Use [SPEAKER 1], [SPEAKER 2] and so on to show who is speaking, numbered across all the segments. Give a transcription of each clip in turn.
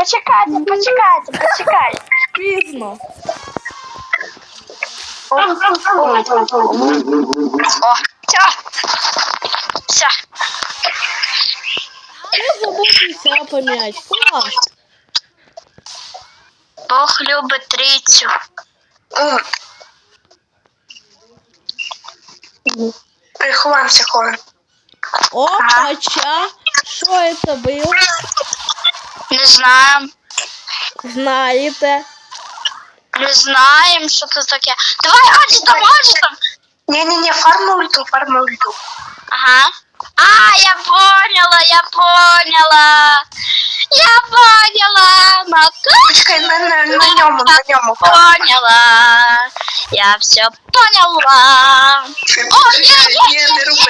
[SPEAKER 1] почекайте.
[SPEAKER 2] Пізно.
[SPEAKER 1] О, все.
[SPEAKER 2] Я забувся пом'ять. Клас.
[SPEAKER 1] Бог любить трійцю.
[SPEAKER 3] Ховаемся, ховаем.
[SPEAKER 2] Опача. Що це було?
[SPEAKER 1] Не знаю.
[SPEAKER 2] Знаєте.
[SPEAKER 1] Не знаємо, що це таке. Давай, гаджетом.
[SPEAKER 3] Не-не-не, фарма ульту.
[SPEAKER 1] Ага. А, я поняла.
[SPEAKER 3] Почекай, на ньому.
[SPEAKER 1] Поняла. Я все поняла. О,
[SPEAKER 3] Ні, не роби.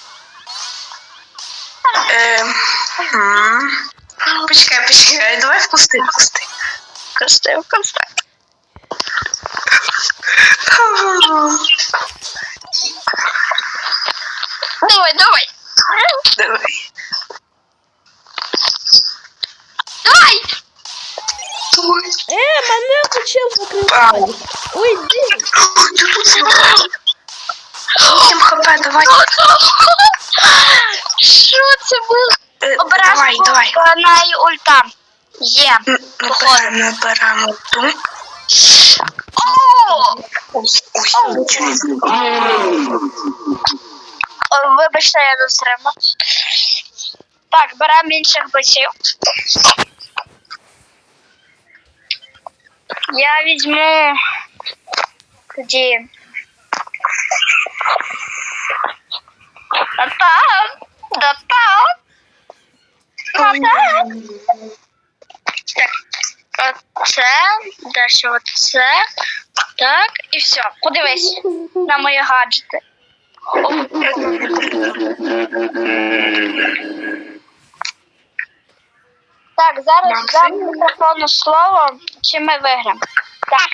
[SPEAKER 3] Почекай, давай в кусти.
[SPEAKER 1] Кусти. Давай.
[SPEAKER 3] Давай.
[SPEAKER 2] Мене почав закривати. Ой, ди.
[SPEAKER 3] Ти тут 7 хп, давай.
[SPEAKER 1] Що це було? Обережно
[SPEAKER 3] Давай.
[SPEAKER 1] по неї ульта. Є.
[SPEAKER 3] Набираємо ульту.
[SPEAKER 1] Вибачте, я застрибла. Так, беремо інших бочів. Я візьму тоді. Так, оце, далі оце. Так, і все. Подивись на мої гаджети. Так, зараз дам мікрофону слово, чи ми виграємо. Так.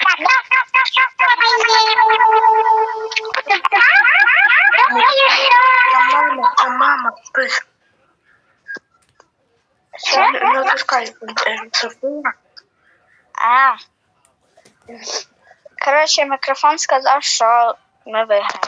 [SPEAKER 3] Мама, не отпускай Софія.
[SPEAKER 1] Коротше, мікрофон сказав, що ми виграємо.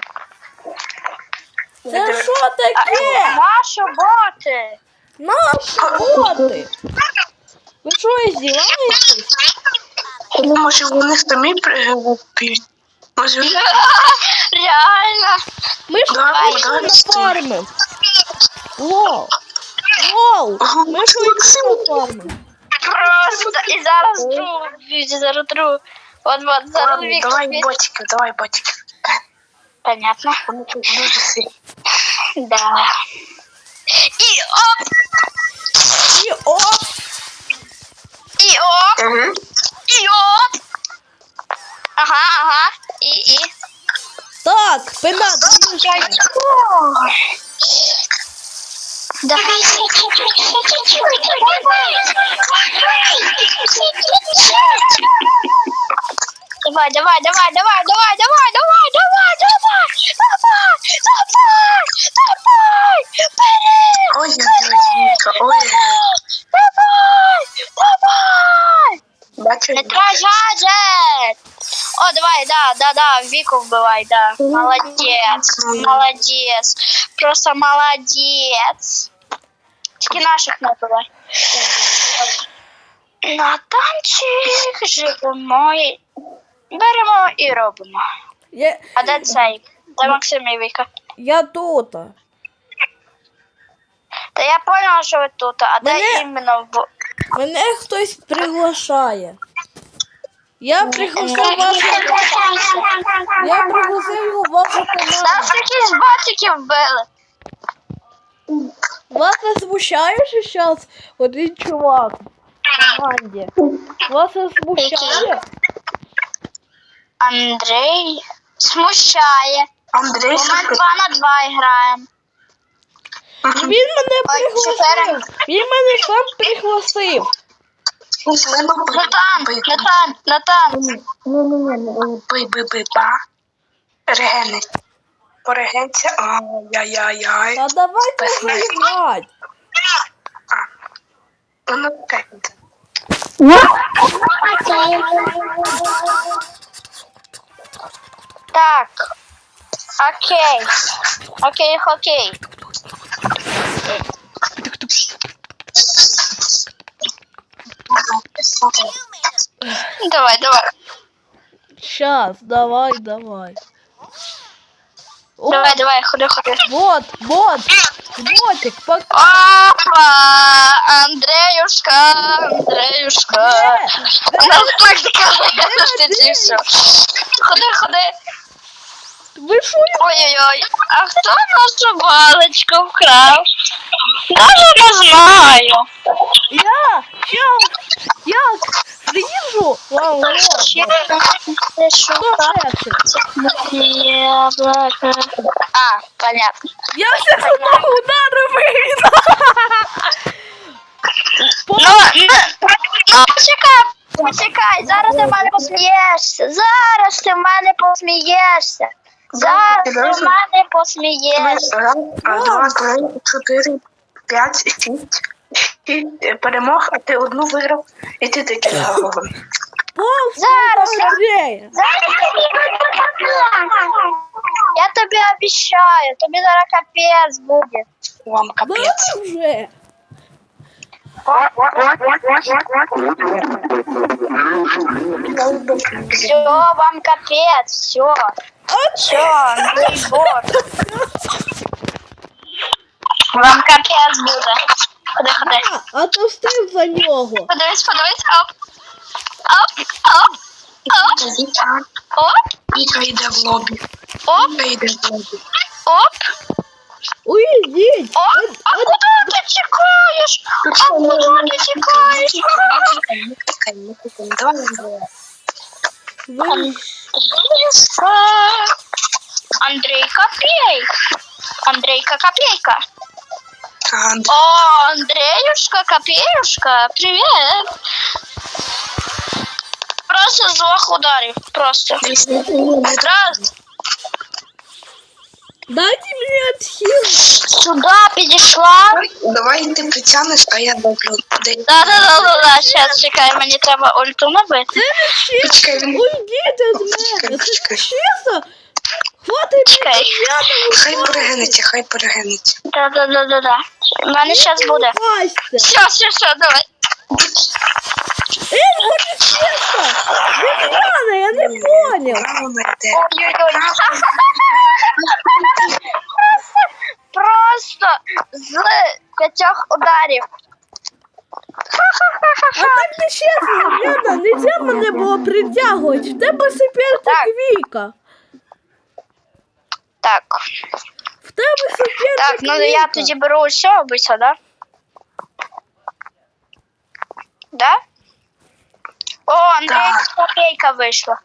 [SPEAKER 2] Це що таке?
[SPEAKER 1] Наші боти!
[SPEAKER 2] Наші боти. Ви що, здіваєтесь?
[SPEAKER 3] Ну, може, вони самі п'ють. Може,
[SPEAKER 1] Реально.
[SPEAKER 2] Ми ж
[SPEAKER 3] Давай,
[SPEAKER 2] точно
[SPEAKER 3] давай,
[SPEAKER 2] нафармим. Лол, ми ж точно нафармим.
[SPEAKER 1] Просто і зараз другу. От, зараз
[SPEAKER 3] ладно,
[SPEAKER 1] Віктор.
[SPEAKER 3] давай ботиків.
[SPEAKER 1] Понятно.
[SPEAKER 3] Вони тут дуже сильні.
[SPEAKER 1] Да. І оп!
[SPEAKER 2] І оп.
[SPEAKER 1] І оп!
[SPEAKER 3] Угу.
[SPEAKER 1] І оп! Ага. І.
[SPEAKER 2] Так, пенат.
[SPEAKER 1] Давай. Давай.
[SPEAKER 3] Ой, Віка, ой.
[SPEAKER 1] Давай.
[SPEAKER 3] Бачу,
[SPEAKER 1] Не трать гаджет. О, давай, да, Вику вбивай, да. Молодец. Просто молодец. Тільки наших не вбивай. На танчик живемо і беремо і робимо. А де цей? Де Максим і Віка?
[SPEAKER 2] Я тут.
[SPEAKER 1] Та я поняла, що ви тут, а де іменно в...
[SPEAKER 2] Мене хтось приглашає. Я пригласив вашу команду.
[SPEAKER 1] Нас якісь ботики вбили.
[SPEAKER 2] Вас не смущає, що зараз один чувак в команді? Вас не смущає?
[SPEAKER 1] Андрій смущає.
[SPEAKER 3] Андрій,
[SPEAKER 1] Ми 2 на 2 граємо.
[SPEAKER 2] Він мене пригласив. Він мене сам пригласив.
[SPEAKER 1] Натан.
[SPEAKER 3] Бий, регени. Порегенця, ай-яй-яй.
[SPEAKER 2] Та давайте вже грати.
[SPEAKER 3] Ну, так.
[SPEAKER 1] Так. Окей. Окей. Давай.
[SPEAKER 2] Щас, давай. О,
[SPEAKER 1] Давай, ходи.
[SPEAKER 2] вот, ботик,
[SPEAKER 1] Опа! Андреюшка. Ти все. Ходи.
[SPEAKER 2] Ви що?
[SPEAKER 1] Ой-ой-ой, а хто нашу балочку вкрав? Даже не знаю.
[SPEAKER 2] Я приїжджу. Вау,
[SPEAKER 1] Ще ти шукав яблоко. А, понятно.
[SPEAKER 2] я все одного удару вивіду.
[SPEAKER 1] Ну, почекай, зараз ти в мене посмієшся. Зараз ти в мене посмієшся.
[SPEAKER 3] Раз, два, три, 4, 5, 6 перемог, а ти одну виграв, і ти таки голову.
[SPEAKER 1] Зараз.
[SPEAKER 2] Андрей.
[SPEAKER 1] Я тобі обіцяю, тобі зараз капець буде.
[SPEAKER 3] Вам капець.
[SPEAKER 2] Вже.
[SPEAKER 1] Все, вам капець, все, Андрей Бог. Вам капець буде. Ходи.
[SPEAKER 2] А то встиг за нього.
[SPEAKER 1] Подивись, оп.
[SPEAKER 3] Віка йде в лобі.
[SPEAKER 1] Оп.
[SPEAKER 2] Уйдіть.
[SPEAKER 1] А куди ти тікаєш?
[SPEAKER 3] Давай.
[SPEAKER 1] Андрейка Копейка.
[SPEAKER 3] Андрій.
[SPEAKER 1] О, Андреюшка, Копеюшка, привет. Просто с двух ударів, просто. Раз.
[SPEAKER 2] Дайте мені отхил.
[SPEAKER 1] Сюда підійшла.
[SPEAKER 3] Давай ти притягнеш, а я роблю.
[SPEAKER 1] Да. Сейчас, чекай, мені треба ульту набити.
[SPEAKER 3] Почекай, він...
[SPEAKER 2] Уйдіть від мене. Це чесно. Хватить.
[SPEAKER 1] Чекай.
[SPEAKER 3] Хай перегинеться.
[SPEAKER 1] Да. У мене зараз буде. Все, давай.
[SPEAKER 2] Це чесно. Від мене, я не понял.
[SPEAKER 1] Просто з 5 ударів.
[SPEAKER 2] А так не чесно, Яна, нельзя мене було притягувати. В тебе суперник Віка.
[SPEAKER 1] Так.
[SPEAKER 2] В тебе суперник
[SPEAKER 1] Так, ну
[SPEAKER 2] Віка.
[SPEAKER 1] я тоді беру все обично, да? Да? О, Андрейка Копейка вийшла.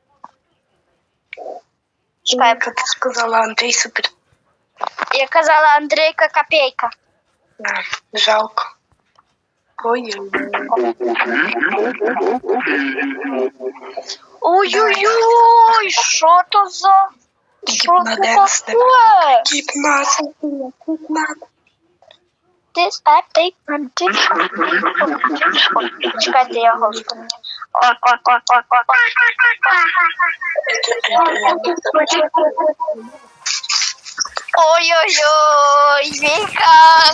[SPEAKER 1] Чекай,
[SPEAKER 3] Як ти сказала, Андрій супер.
[SPEAKER 1] я казала Андрейка Копейка.
[SPEAKER 3] Жалко.
[SPEAKER 1] Ой-ой-ой, що то за... Що це таке?
[SPEAKER 3] 15.
[SPEAKER 1] This epic condition. Чекайте, я голос поміняю. Ой-ой-ой, Віка.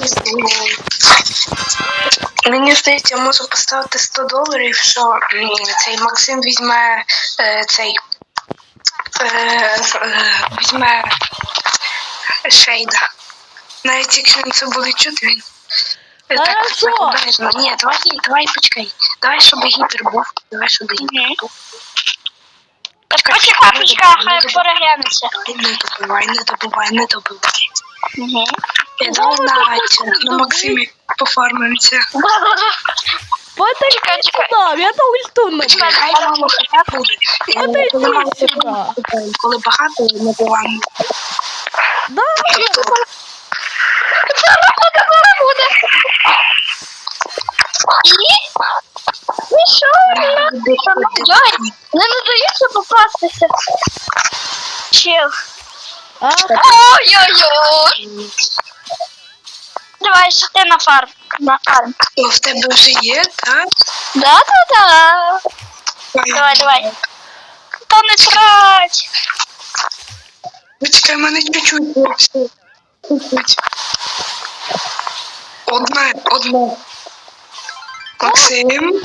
[SPEAKER 3] Мені здається, я можу поставити $100, що цей Максим візьме візьме Шейда. Навіть якщо він це буде чути, він так обережно. Ні, давай почекай. Давай, щоб гіпер був.
[SPEAKER 1] Почекай, хай переглянеться.
[SPEAKER 3] Не добивай. Давай на Максимі пофармимося.
[SPEAKER 2] Чекай. Я то ульту набив.
[SPEAKER 3] Хай мало хоча буде. Коли багато, не буває.
[SPEAKER 2] Да.
[SPEAKER 1] Зараз буде. І що? Не надається попастися. Чел. Ой-ой-ой. Давай, що ти на фарм. на фарм.
[SPEAKER 3] О, в тебе вже є, так?
[SPEAKER 1] Да. Давай. Та не трать.
[SPEAKER 3] Почекай, мене чуть-чуть. Чуть-чуть. Одна. Максим.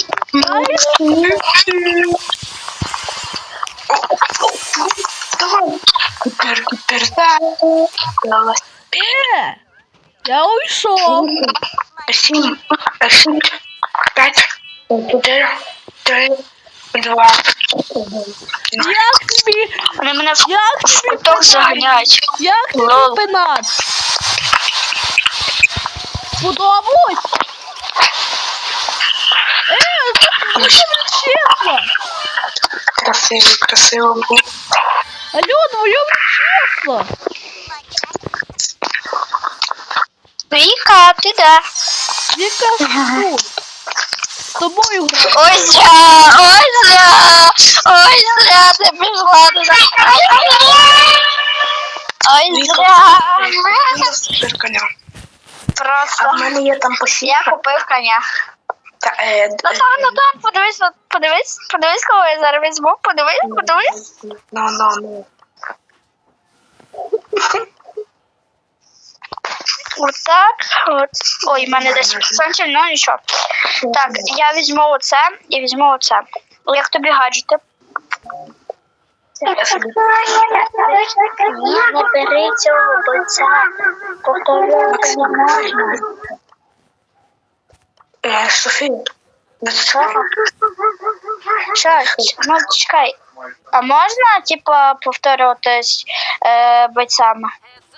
[SPEAKER 3] Давай. Купер.
[SPEAKER 2] Я уйшов.
[SPEAKER 3] 7, 5, 4, 3, 2, 1.
[SPEAKER 2] Як тобі?
[SPEAKER 1] Вони мене в
[SPEAKER 2] Як тобі
[SPEAKER 1] куток заганяють.
[SPEAKER 2] Як тобі
[SPEAKER 1] Лол.
[SPEAKER 2] пенат? Сподобалось? Це дуже чесно.
[SPEAKER 3] Красиво було.
[SPEAKER 2] Алло, твоє чесно.
[SPEAKER 1] Віка, ти де?
[SPEAKER 2] Яка тут? З тобою граю.
[SPEAKER 1] Ой, зря, ти пішла туди. Ой, зря.
[SPEAKER 3] Супер коня. А
[SPEAKER 1] Просто.
[SPEAKER 3] в мене є там
[SPEAKER 1] Я
[SPEAKER 3] посівка.
[SPEAKER 1] купив коня.
[SPEAKER 3] Ну
[SPEAKER 1] Так, подивись, кого я зараз візьму, подивись.
[SPEAKER 3] Ну.
[SPEAKER 1] Отак, от. Ой, в мене 10%, ну нічого. Так, я візьму оце і візьму оце. Як тобі гаджети? Ні, не бери цього бойця. Повторювати не можна.
[SPEAKER 3] Софія.
[SPEAKER 1] Що? Ну, чекай. А можна, типа, повторюватись бойцями?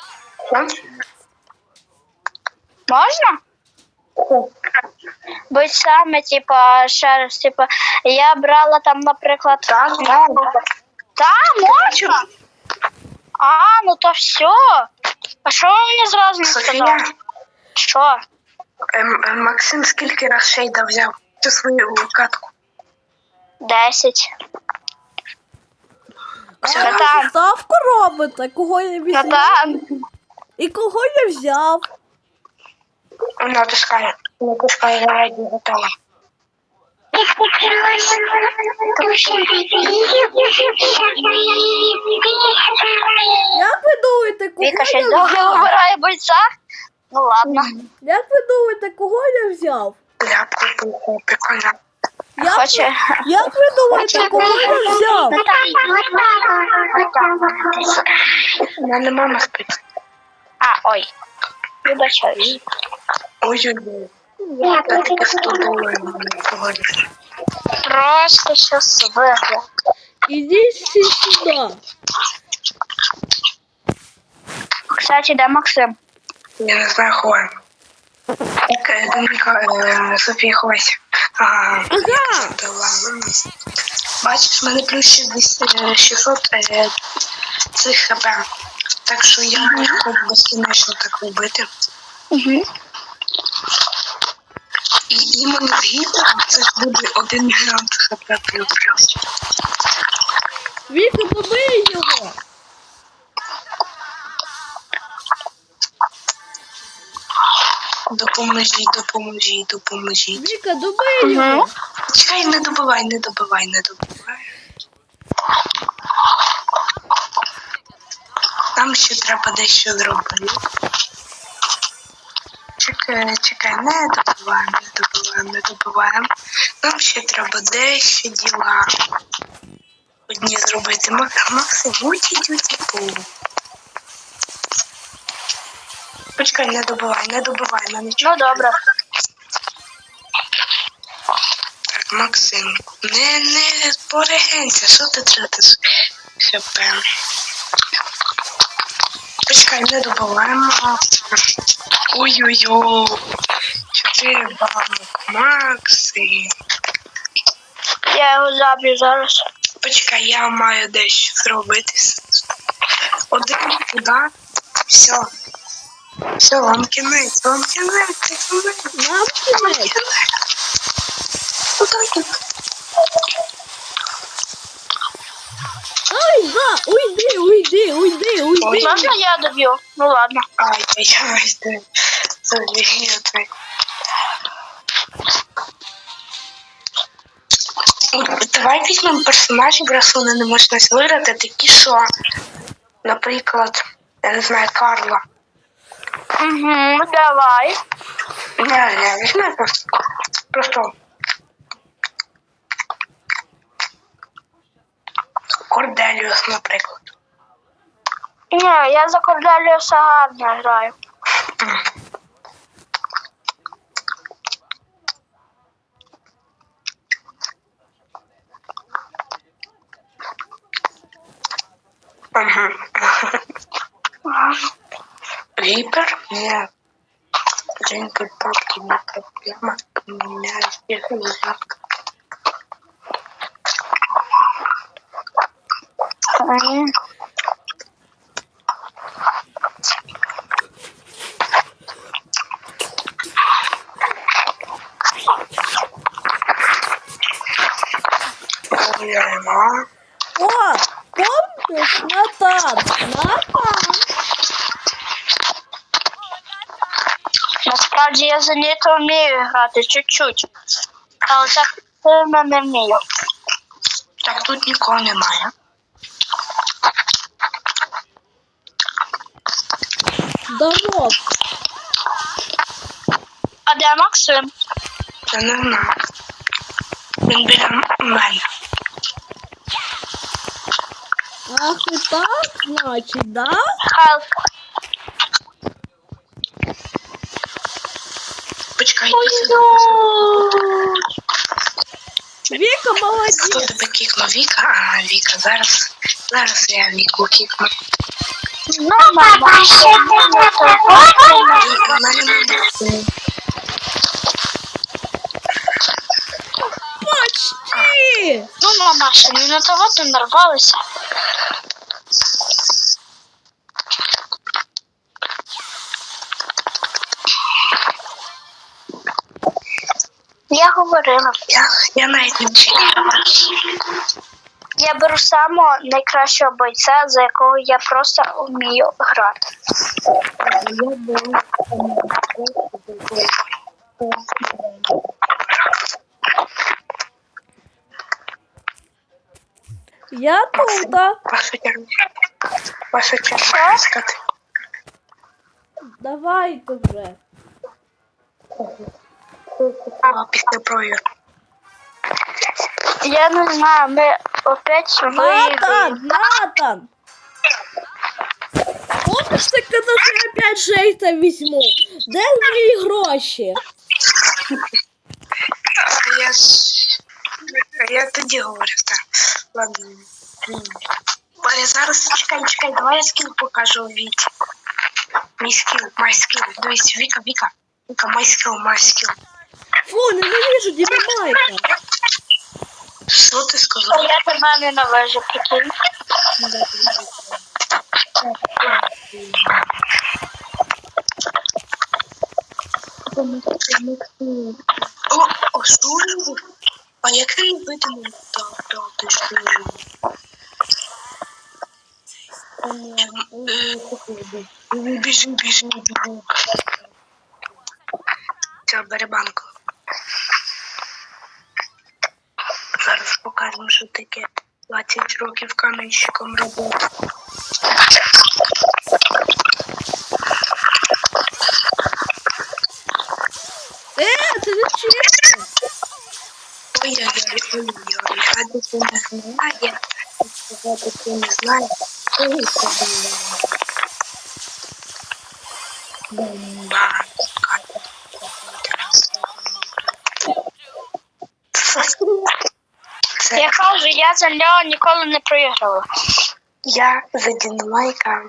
[SPEAKER 1] Можна? Бойцями, типа, ще раз, типа, я брала там, наприклад...
[SPEAKER 3] Так.
[SPEAKER 1] Та, можна? А, ну то все. А що ви мені зразу не сказали?
[SPEAKER 3] Софія,
[SPEAKER 1] Що?
[SPEAKER 3] Максим скільки раз шейда взяв цю свою катку?
[SPEAKER 1] 10.
[SPEAKER 2] А
[SPEAKER 1] Братан.
[SPEAKER 2] ви ставку робите? Кого я візьму?
[SPEAKER 1] Братан.
[SPEAKER 2] І кого я взяв?
[SPEAKER 3] Натискай, я раді готова.
[SPEAKER 2] Як ви думаєте, кого
[SPEAKER 1] Віка щось
[SPEAKER 2] я
[SPEAKER 1] довго
[SPEAKER 2] взяв?
[SPEAKER 1] вибирає бойця? Ну ладно.
[SPEAKER 2] Як ви думаєте, кого я взяв?
[SPEAKER 3] Я купив коня.
[SPEAKER 1] Хоче.
[SPEAKER 2] Як ви думаєте, кого я взяв?
[SPEAKER 3] У мене мама спить.
[SPEAKER 1] А, ой. Вибачаюсь.
[SPEAKER 3] Ой-ой-ой. Я таки 100 доларів не погодиш.
[SPEAKER 1] Просто щас вигляд.
[SPEAKER 2] Ідіть всі сюди.
[SPEAKER 1] Кстати, де Максим?
[SPEAKER 3] Я не знаю, ховаємо. Доміка, Софія, ховайся. Ага. Бачиш, в мене плюс 600 цих хп. Так що я можу безкінечно так робити.
[SPEAKER 1] Угу.
[SPEAKER 3] І іменно з гіпером це ж буде 1 мільйон хп плюс.
[SPEAKER 2] Віка, побий його.
[SPEAKER 3] Допоможіть.
[SPEAKER 2] Віка, добий його.
[SPEAKER 3] Чекай, не добивай. Там ще треба дещо зробити. Чекай, не добиваємо. Нам ще треба дещо діла. Одні зробити. Максим, тюті-пу. Почекай, не добивай, на нічого.
[SPEAKER 1] Ну добре.
[SPEAKER 3] Так, Максим, не порегенься, що ти тратиш хп? Почекай, не добиваємо. Ой-ой-ой. 4 банок, Максим.
[SPEAKER 1] Я його заб'ю зараз.
[SPEAKER 3] Почекай, я маю дещо зробити. Один туди. Все, вам кінець.
[SPEAKER 2] Нам кінець. Ай, уйди.
[SPEAKER 1] Можна я доб'ю? Ну ладно.
[SPEAKER 3] Ай-яй-яй, забігай. Давай візьмемо персонажів, раз вони не можна виграти, такі, що, наприклад, я не знаю, Карла.
[SPEAKER 1] Угу, давай.
[SPEAKER 3] Не, візьмемо просто Корделіус, наприклад.
[SPEAKER 1] Ні, я за Корделіуса гарно граю.
[SPEAKER 3] Ага. Випер? Нет. Джинки, папки, не проблема. У меня всех узак.
[SPEAKER 2] О, помнишь, Натан? Натан.
[SPEAKER 1] Насправді я за нього вмію грати чуть-чуть. Але так сильно не вмію.
[SPEAKER 3] Так тут нікого немає.
[SPEAKER 2] Дамок.
[SPEAKER 1] А де Максим?
[SPEAKER 3] Я не знаю. Він біля мене.
[SPEAKER 2] Ах, и так, значит, да?
[SPEAKER 1] Хелп.
[SPEAKER 3] Почекай,
[SPEAKER 2] Вика
[SPEAKER 3] хто
[SPEAKER 2] молодец.
[SPEAKER 3] тебе кікнув? Віка? А, Віка, зараз я Віку кікну.
[SPEAKER 1] Ну, мама, ще не того.
[SPEAKER 2] Почти.
[SPEAKER 1] Ну, мама, ще не на того ти нарвалися. Я говорила.
[SPEAKER 3] Я навіть не чекаю.
[SPEAKER 1] Я беру самого найкращого бойця, за якого я просто вмію грати.
[SPEAKER 2] Я тут.
[SPEAKER 3] Ваша черга сказати.
[SPEAKER 2] Давай уже.
[SPEAKER 3] Після провірки.
[SPEAKER 1] Я не знаю, ми опять
[SPEAKER 2] Натан,
[SPEAKER 1] виграємо.
[SPEAKER 2] Натан. Помнишь, ты когда я опять Жейта возьму? Де мої гроші?
[SPEAKER 3] Я тоді говорив, так. Ладно. Я зараз чекай, давай я скіл покажу Віці. Май скіл. Дивись, Віка, май скіл.
[SPEAKER 2] Фу, ненавижу Динамайка.
[SPEAKER 3] Що ти сказав?
[SPEAKER 1] Я тебе ненавижу, прикинь.
[SPEAKER 3] О, служу. А як він видимо? Так, ти що? Біжи. Все, бери банку. Зараз покажемо, що таке 20 років каменщиком роботи.
[SPEAKER 2] Це не чесно.
[SPEAKER 3] Ой-ой-ой, а ти не знає. Сказати, ти не знаєш. Бомба.
[SPEAKER 1] Я кажу, я за нього ніколи не проіграла.
[SPEAKER 3] Я за Динамайка.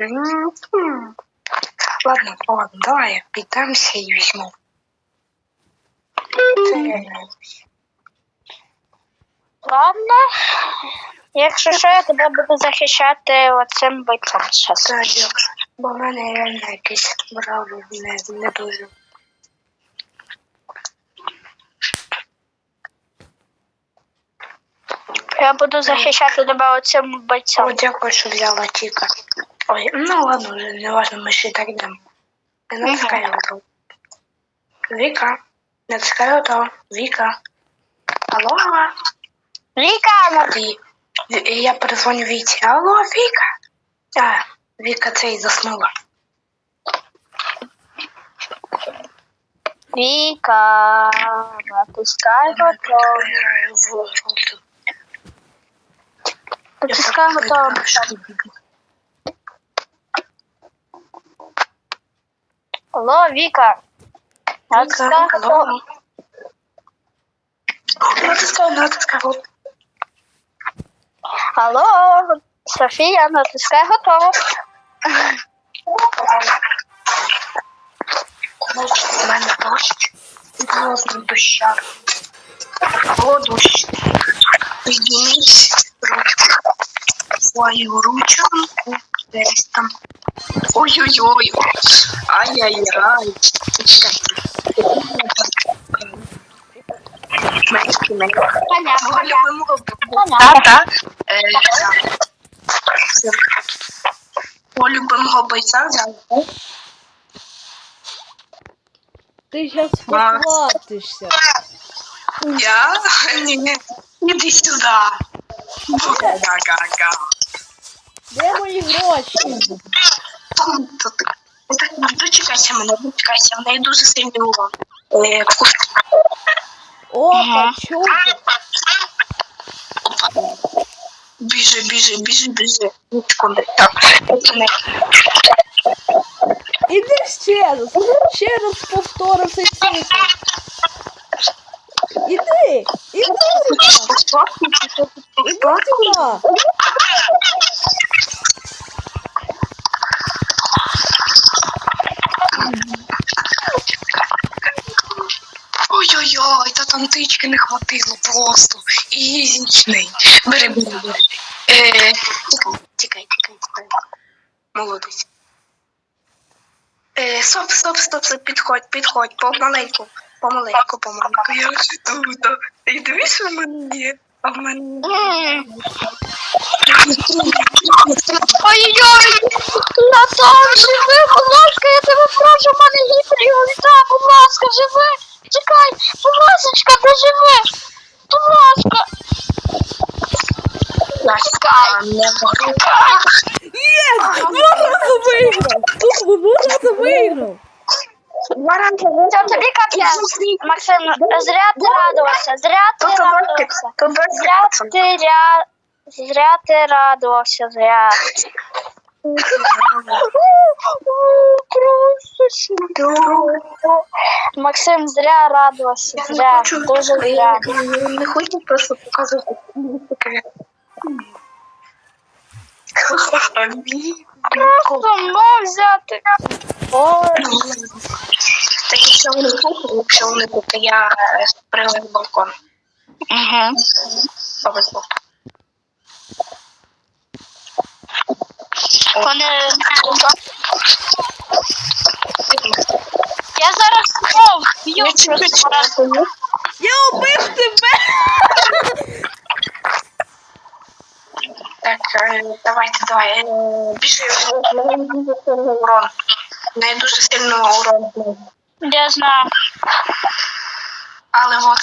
[SPEAKER 3] Ладно, давай піддамся і візьму.
[SPEAKER 1] Ладно. Якщо що, я тебе буду захищати оцим бойцом зараз.
[SPEAKER 3] Це дякую. Бо в мене реально якийсь бравлер не дуже.
[SPEAKER 1] Я буду захищати тебе оцим
[SPEAKER 3] О,
[SPEAKER 1] бойцом.
[SPEAKER 3] дякую, що взяла Тіка. Ой, ну ладно, не важно, ми ще так йдемо. Я натискаю гру. Віка. Натискаю то. Віка. Алло?
[SPEAKER 1] Віка,
[SPEAKER 3] Я перезвоню Віці. Алло, Віка. А, Віка цей заснула.
[SPEAKER 1] Віка, натискай готово.
[SPEAKER 3] Граю в жовту.
[SPEAKER 1] Натискай готово. Алло, Віка. Натискай готово.
[SPEAKER 3] Натискай.
[SPEAKER 1] Алло, Софія, натискай готово.
[SPEAKER 3] У мене дощ. Просто доща. О, дощ. Підніміть ручку. Свою ручку. Десь там. Ой-ой-ой. Ай-яй-яй. Чекайте.
[SPEAKER 1] Понятно.
[SPEAKER 3] Мого любимого
[SPEAKER 1] Понятно.
[SPEAKER 3] тата. Мого любимого бойця взяли.
[SPEAKER 2] Ти зараз похватишся.
[SPEAKER 3] Я? Ні. Іди сюди. Га-га-га.
[SPEAKER 2] Де мої гроші?
[SPEAKER 3] Дочекайся мене, в неї дуже сильний урон.
[SPEAKER 2] Опа, чуки.
[SPEAKER 3] Біжи. Секунди. Так,
[SPEAKER 2] Іди ще раз повтори цей цикл. Іди сюди. Іди сюди.
[SPEAKER 3] Ой-ой-ой, та там тички не хватило просто. Ізічний. Бери. Тікай. Молодець. Стоп, підходь, помаленьку. Я вже тут. І дивись, у мене є. А в мене...
[SPEAKER 1] Ой-ой-ой, я там живи, будь ласка, я тебе прошу, в мене гіперіоліта, будь ласка, живи. Чекай, будь ласочка, доживи. Будь ласка.
[SPEAKER 3] Не можу.
[SPEAKER 2] Єс! 2 рази виграв! Тут 2 рази виграв!
[SPEAKER 1] Це тобі капець. Максим, зря ти радувався, зря ти радувався, зря. Максим, зря радувався, зря, дуже зря.
[SPEAKER 3] Не хочу просто показувати.
[SPEAKER 1] Просто мов взяти. Ой.
[SPEAKER 3] Так якщо вони тут, я прилив балкон.
[SPEAKER 1] Угу.
[SPEAKER 3] Повезло.
[SPEAKER 1] Вони... Я зараз б'ю просто.
[SPEAKER 2] Я убив тебе!
[SPEAKER 3] Так, давай. Біжи, урон. Не дуже сильно урон.
[SPEAKER 1] Я знаю.
[SPEAKER 3] Але от